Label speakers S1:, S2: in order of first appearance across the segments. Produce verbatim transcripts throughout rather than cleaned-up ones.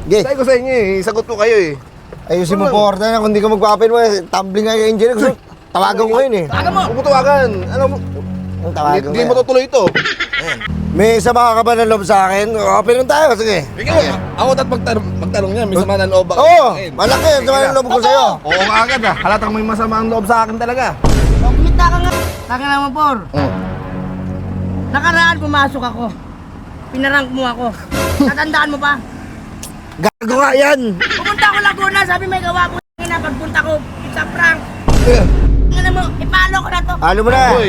S1: Gay.
S2: Sabi ko sa inyo eh, sagot ko kayo eh.
S1: Ayusin mo po, order na. Kung di ka magpapin mo, eh, tumbling nga yung engineer. Gusto, tawagan ko yun eh.
S3: Tawagan mo!
S2: Huwag mo tawagan. Ano mo?
S1: Ang tawagan
S2: Hindi
S1: ko
S2: mo
S1: yan.
S2: tutuloy ito.
S1: May isa ka ba ng loob sa akin? Open lang tayo, sige.
S2: Ikaw, ako dapat magtanong, magtanong niya. May sama ng loob ako.
S1: Oo, malaki ang sama ng loob ko sa'yo.
S2: Oo nga agad ah. Halatang may masama ang loob sa akin talaga.
S3: Oh, kumita ka nga. Taka naman, Por.
S2: Oo.
S3: Nakaraan pumasok ako. Pinarank mo ako. Natandaan mo pa?
S1: Gago nga yan.
S3: Pumunta ako Laguna, sabi may gawa ko na pagpunta ko sa prank. Ano mo, ipalo ko na to.
S1: Halo mo na.
S2: Uy.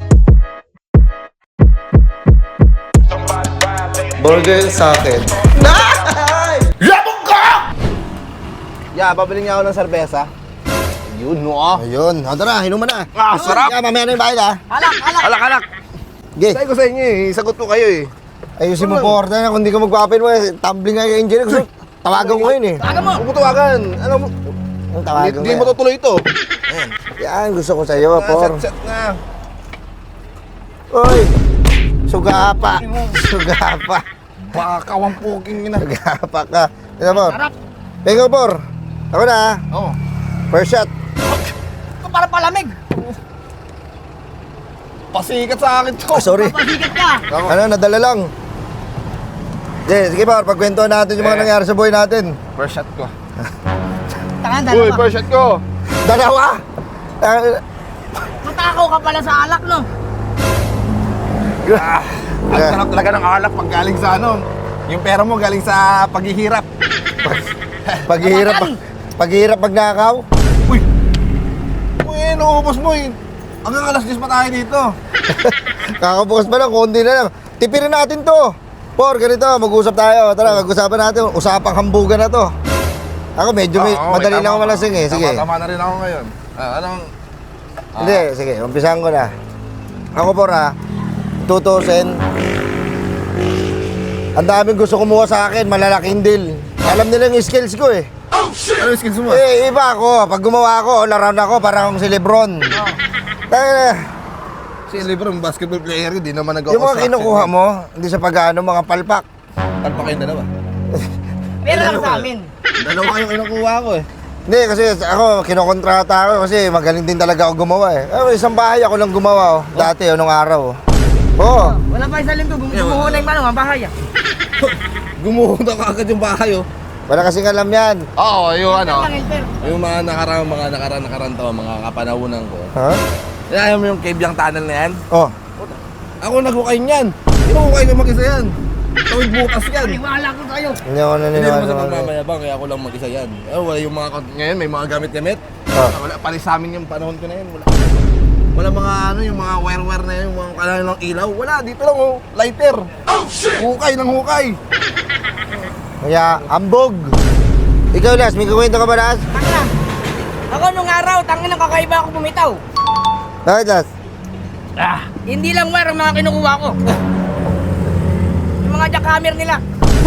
S1: Burger sa akin.
S2: Labog ka! Yeah, babili niya ako ng serbesa. Yun, no ah.
S1: Ayun, o tara, hinuman na.
S2: Ah, sarap.
S1: Kaya mamaya na yung bayad ha.
S3: Alak, alak.
S2: Alak, alak.
S1: Gay.
S2: Sabi ko sa inyo eh, sagot ko kayo eh.
S1: Ayusin mo po, order na. Kung di ka magpapin mo, eh, tumbling nga yung engineer. Gusto, tawagan ko yun eh.
S3: Tawagan mo!
S2: Huwag mo tawagan. Ano mo?
S1: Ang tawagan ko
S2: Hindi mo
S1: yan.
S2: tutuloy ito.
S1: Yan, gusto ko sa'yo,
S2: Ah,
S1: por.
S2: set, set na.
S1: Uy, sugapa. Sugapa.
S2: Bakawang puking ina.
S1: Sugapa ka. Ito, por.
S3: Sarap.
S1: Ikaw, por. Ako na ha.
S2: Oo.
S1: First shot.
S3: Ito para palamig.
S2: Pasikat sa akin to.
S1: Ah, sorry.
S3: Pasikat ka.
S1: Ano, nadala lang. Sige, sige, por. Pagkwentuhan natin yung mga
S2: Eh.
S1: nangyari sa buhay natin.
S2: First shot ko.
S3: Taka,
S2: Uy,
S3: dalawa.
S2: first shot ko.
S1: Dalawa! Ah,
S3: Matakaw ka pala sa alak, no?
S2: Ah, ang
S1: Yeah.
S2: sarap talaga ng alak pag galing sa ano. Yung pera mo galing sa paghihirap.
S1: paghihirap, paghihirap magnakaw.
S2: Uy! Uy, nauubos mo eh. Hanggang alas diyes pa tayo dito.
S1: Kakabukas pa lang, konti na lang. Tipirin natin to. Por, ganito, mag-usap tayo. Tara, mag-usapan natin. Usapang hambugan na to. Ako medyo may,
S2: Oo,
S1: madali
S2: okay,
S1: lang ako
S2: tama.
S1: malasing eh. Sige.
S2: Tama, tama na rin ako ngayon. Ah, anong...
S1: Hindi, sige, umpisahan ko na. Ako por ha, tutusin. Ang daming gusto kumuha sa akin, malalaking deal. Alam nila yung skills ko eh.
S2: Ano yung skills mo?
S1: Eh, iba ako. Pag gumawa ako, all around ako, parang si Lebron. Tayo na.
S2: Si Lebron, basketball player, hindi naman
S1: Yung mga kinukuha mo, hindi sa pag-ano, mga palpak.
S2: Talpa kayong dalawa.
S3: Pero lang sa amin.
S2: Dalawa kayong kinukuha ko eh.
S1: Hindi, kasi ako, kinokontrata ako kasi magaling din talaga ako gumawa eh. Eh, isang bahay ako lang gumawa oh. Dati, oh, nung araw. oh. Oo.
S3: Wala pa isang linggo, gumuho na yung ano, ang bahay ah.
S2: Gumuhunta ka agad yung bahay oh.
S1: Wala kasing alam yan.
S2: Oo, yung ano.
S3: Lang, Elper.
S2: Yung mga nakarang, mga nakarang, nakarang taon, mga kapanahunan ko.
S1: Ha?
S2: Ayaw mo yung Kebyang Tunnel na yan?
S1: Oh.
S2: Ako nag-hukay niyan. Hindi mo hukay na mag-isa yan. Tawid bukas yan.
S3: Iwala ko sa'yo.
S1: Hindi ako
S2: Hindi
S1: naniniwala.
S2: naman sa
S1: sa mga-
S2: pagmamayabang, kaya ako lang mag-isa yan. Eh, wala yung mga, ngayon may mga gamit-gamit.
S1: Ah.
S2: Wala, palis sa amin yung panahon ko na yun. Wala. Wala mga ano, yung mga wire-wire na yun, yung mga kailangan ng ilaw. Wala, dito lang oh, lighter. Hukay ng hukay.
S1: Kaya, ambog. Ikaw, Las, may kukwento ka ba, Las?
S3: Tangina. Ako nung araw, tangin ng kakaiba ako bumitaw.
S1: Bakit, Las?
S3: Ah, hindi lang wire ang mga kinukuha ko. Yung mga jackhammer nila.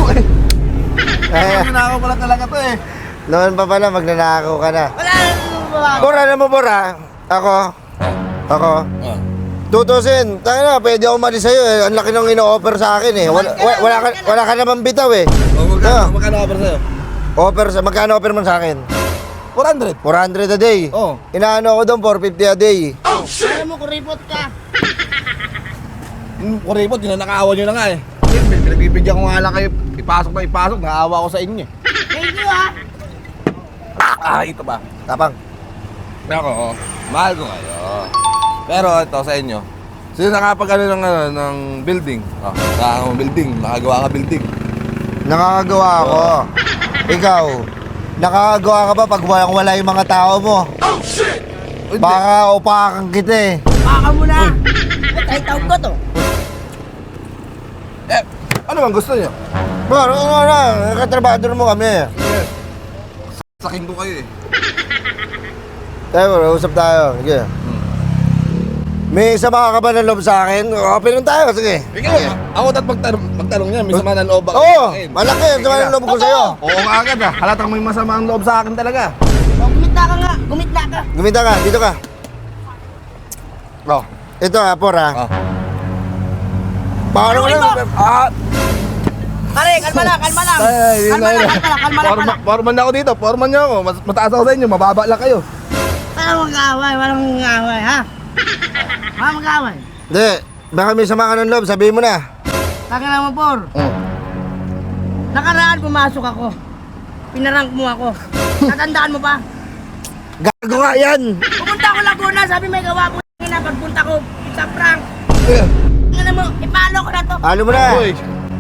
S1: Eh,
S2: Ginagawa pala talaga to eh.
S1: noon pa pala, magnanakaw ka na.
S3: Wala nang babago.
S1: Bora na mo, Bora. Ako. Ako.
S2: Ah.
S1: Tutusin. Tayo na, pwede ako mali sa'yo eh. Ang laki nung ino-offer sa akin eh. Wala, wala, wala, ka, wala ka naman bitaw eh.
S2: O, magkano,
S1: Ah.
S2: magkano offer sa'yo?
S1: Offer sa, magkano offer mo sa akin?
S2: four hundred.
S1: four hundred a day.
S2: Oo.
S1: Inaano ako doon, four fifty a day.
S3: Alam mo, kuripot ka.
S2: Yung kuripot, yun na nakaawa nyo na nga eh. Pinagbibigyan ko nga lang kayo, ipasok na ipasok, nakaawa ko sa inyo eh.
S3: Thank you ah.
S2: Ah, ito ba?
S1: Tapang.
S2: Ako, oh, mahal ko kayo. Pero ito sa inyo, sino nakapag ano ng, ano, ng building? Oh, nakakagawa building, nakagawa ka building.
S1: Nakakagawa ako. Ikaw, nakakagawa ka ba pag walang wala yung mga tao mo?
S2: Hindi.
S1: Baka upakan kita eh.
S3: Baka mo na. Eh, kahit taon ko to.
S2: Eh, ano bang gusto niyo?
S1: Bro, ano na, katrabador mo kami.
S2: Sakin ko kayo eh.
S1: Tayo bro, usap tayo. Sige. May sama ka ba ng loob sa akin? Open lang tayo, sige.
S2: Ikaw, ako dapat magtanong, magtanong niya, may sama ng loob ako.
S1: Oo,
S2: Eh,
S1: malaki ang sama ng loob ko sa'yo.
S2: Oo nga agad ah, halatang may masama ang loob sa akin talaga.
S3: Oh, gumita ka nga. Gumita ka.
S1: Gumita ka, dito ka.
S2: Oh.
S1: Ito ha, por ha.
S2: Ah.
S1: Paano ko
S3: Ano
S1: na?
S3: ito?
S1: Ah!
S3: Pare, kalma lang, kalma lang.
S2: Ay, yun
S3: Kalma
S2: na
S3: lang,
S2: yun.
S3: kalma lang, kalma lang.
S2: Forma, foreman na ako dito, foreman niyo ako. Mas, mataas ako sa inyo, mababa lang kayo.
S3: Walang mag-away, walang mag-away, ha? Walang mag-away.
S1: Hindi, baka may sama ka ng loob, sabihin mo na.
S3: Taka naman, Por.
S2: Oh.
S3: Nakaraan, pumasok ako. Pinarank mo ako. Natandaan mo pa?
S1: Gago nga yan!
S3: Pumunta ako Laguna, sabi may gawa po na pagpunta ko sa prank. Ano mo, ipalo ko na to.
S1: Halo mo na!
S2: Uy,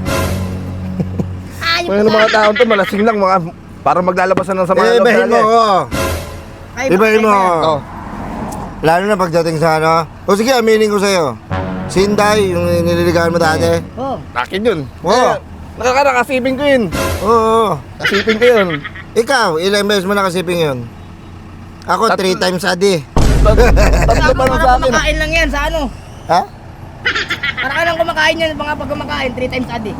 S3: Ayop
S2: mga mga taon to, malasing lang, mga, parang maglalabasan ng sama
S1: Eh,
S2: ng loob
S1: ibahin
S2: talaga
S1: mo
S2: eh.
S1: ko.
S3: Ay,
S1: Ibahin mo.
S3: bakit?
S2: Oh.
S1: Lalo na pagdating sa ano. O sige, aminin ko sa'yo. Si Inday, yung nililigawan mo dati.
S3: Oh,
S2: Akin yun.
S1: Oo.
S2: Eh, nakakara, kasiping ko yun.
S1: Oo.
S2: Kasiping ko yun.
S1: Ikaw, ilang beses mo nakasiping yun? Ako,
S2: Tatlo.
S1: three times a day.
S2: Tat- Tatlo pa lang
S3: parang
S2: sa akin.
S3: kumakain lang yan sa ano.
S1: Ha?
S3: Para ka lang kumakain yan, mga pag kumakain, three times a day.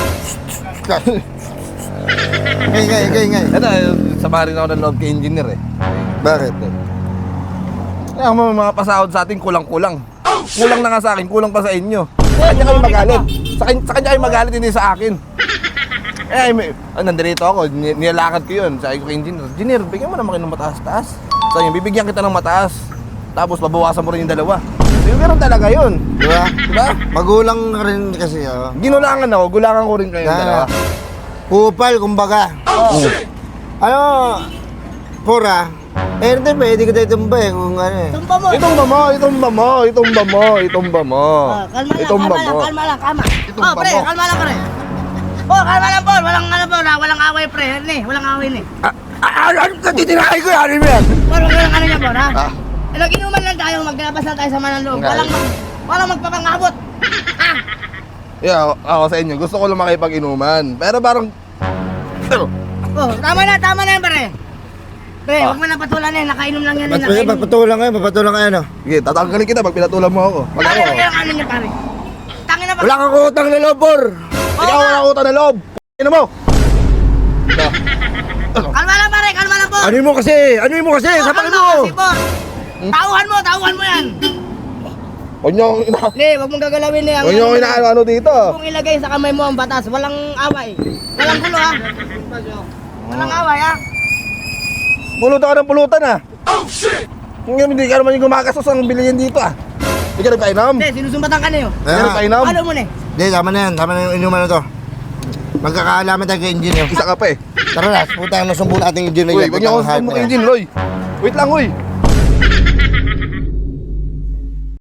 S1: Ngay, ngay, ngay, ngay.
S2: Ito, eh, sama rin ako ng loob kay engineer eh.
S1: Bakit?
S2: Kaya ang mga mga pasahod sa atin, kulang-kulang. Kulang na nga sa akin, kulang pa sa inyo. Sa kanya kayo magalit. Sa, kanya, sa kanya kayo magalit, hindi sa akin. Eh, may, ah, nandito ako, ni- nilalakad ko yun. Sabi ko kay engineer, engineer, bigyan mo naman kayo ng mataas-taas. Sabi niya, bibigyan kita ng mataas. Tapos babawasan mo rin yung dalawa. Yung ganun talaga yun.
S1: Di ba?
S2: Diba?
S1: Magulang ka rin kasi, oh.
S2: Ginulangan ako, gulangan ko rin kayo yung dalawa.
S1: Na, kupal, kumbaga.
S2: Oo.
S1: Ano, pura. Eh, hindi, pwede ka tayo tumba eh, kung ano eh.
S3: Tumpa mo.
S2: Itumba mo, itumba mo, itumba mo, itumba mo.
S3: Oh, kalma lang,
S2: Itumba
S3: kalma lang,
S2: mo.
S3: kalma lang, kalma.
S2: Itumba
S3: Oh, pre,
S2: mo.
S3: kalma lang, pre. Oh, kalma lang, Por. Walang ano, Por. ah, Walang away, pre. Ni, walang away, ni.
S1: Ah, ah, ano ka titirahin ko yan? Ano mo yan?
S3: Por, wag lang ano niya, Por, ha?
S2: Ah.
S3: Eh, nag-inuman lang tayo, maglabas lang tayo sa manang loob.
S2: Nga.
S3: Walang, mag, walang magpapangabot. Ah!
S2: Yeah, ako sa inyo, gusto ko lang makipag-inuman. Pero parang, pero,
S3: Oh, tama na, tama na yan, pre. Pre,
S2: Ah.
S3: huwag mo na patulan eh. Nakainom lang yan, eh.
S1: Ba't
S3: Nakainom.
S1: pagpatulang kayo, papatulang kayo, no?
S2: sige, tatanggalin kita pag pinatulan mo ako. Pag
S3: Pare,
S2: ako,
S3: huwag yung ano niya, pare. Tangin na,
S1: Wala kang utang na loob, por!
S3: Oo
S2: ikaw
S3: nga.
S2: wala utang na loob. Ano mo? Ito.
S3: Kalma lang, pare. Kalma lang, Por.
S1: Ano mo kasi? Ano mo kasi?
S3: Oh,
S1: Sapakin
S3: kalma
S1: mo!
S3: kasi, Por. Tauhan mo, tauhan mo yan.
S2: Huwag niyo akong ina...
S3: Hindi, huwag mong gagalawin eh. Ang
S2: Huwag niyo akong
S3: ano,
S2: inaano dito.
S3: Kung ilagay sa kamay mo ang batas, walang away. Walang gulo, ha? Walang away, ha?
S2: Pulutan ka ng pulutan ah. Oh shit! Hindi ka naman yung gumagastos ang bilihin dito ah. Hindi ka nagpainom.
S3: Hindi, sinusumbatan ka na yun.
S2: Hindi ka
S1: Ah.
S2: nagpainom.
S3: Ano mo na eh?
S1: Hindi, tama na yan. Tama na yung inuman na to. Magkakaalaman tayo kay engineer.
S2: Isa ka pa eh.
S1: Tara na, puta, nasumbo natin yung engineer.
S2: Uy, huwag niyo akong sumbok engine, Roy. Wait lang, uy.